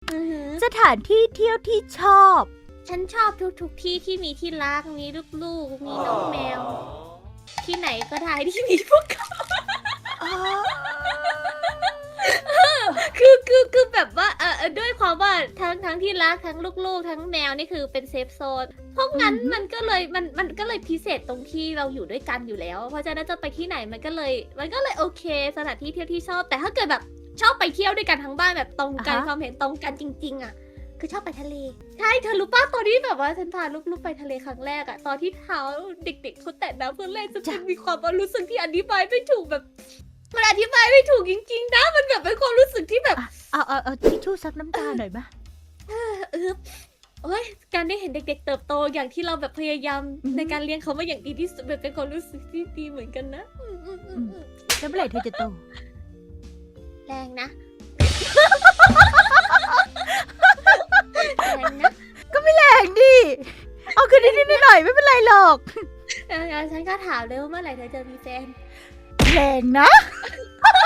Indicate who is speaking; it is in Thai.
Speaker 1: สถานที่เที่ยวที่ชอบ
Speaker 2: ฉันชอบทุกที่ที่มีที่รักมีลูกๆมีน้องแมว ที่ไหนก็ได้ที่มีพวกเขาคือแบบว่าด้วยความว่าทั้งที่รักทั้งลูกๆทั้งแมวนี่คือเป็นเซฟโซนเพราะงั้นมันก็เลยพิเศษตรงที่เราอยู่ด้วยกันอยู่แล้ว เพราะฉะนั้นจะไปที่ไหนมันก็เลยโอเคสถานที่เที่ยวที่ชอบ แต่ถ้าเกิดแบบชอบไปเที่ยวด้วยกันทั้งบ้านแบบตรงกันความเห็นตรงกันจริงๆอ่ะคือชอบไปทะเลใช่เธอรู้ป่ะตอนที่แบบว่าฉันพาลูกๆไปทะเลครั้งแรกอะตอนที่เท้าเด็กๆเขาแตะน้ำเพื่อเล่นจะมีความรู้สึกที่อธิบายไม่ถูกแบบมันอธิบายไม่ถูกจริงๆนะมันแบบเป็นความรู้สึกที่แบบ
Speaker 1: เอาทิชชู่ซับน้ำตาหน่อยมะ
Speaker 2: โอ้ยการได้เห็นเด็กๆเติบโตอย่างที่เราแบบพยายามในการเลี้ยงเขามาอย่างดีที่สุดแบบเป็นความรู้สึกที่ดีเหมือนกันนะ
Speaker 1: แล้วเมื่อไหร่เธอจะโต
Speaker 2: แรงนะแรงนะ
Speaker 1: แรงดิ เอาคืนนิดๆหน่อยๆไม่เป็นไรหรอก
Speaker 2: ฉันก็ถามเลยว่าเมื่อไหร่เธอจะมีแฟน
Speaker 1: แรงนะ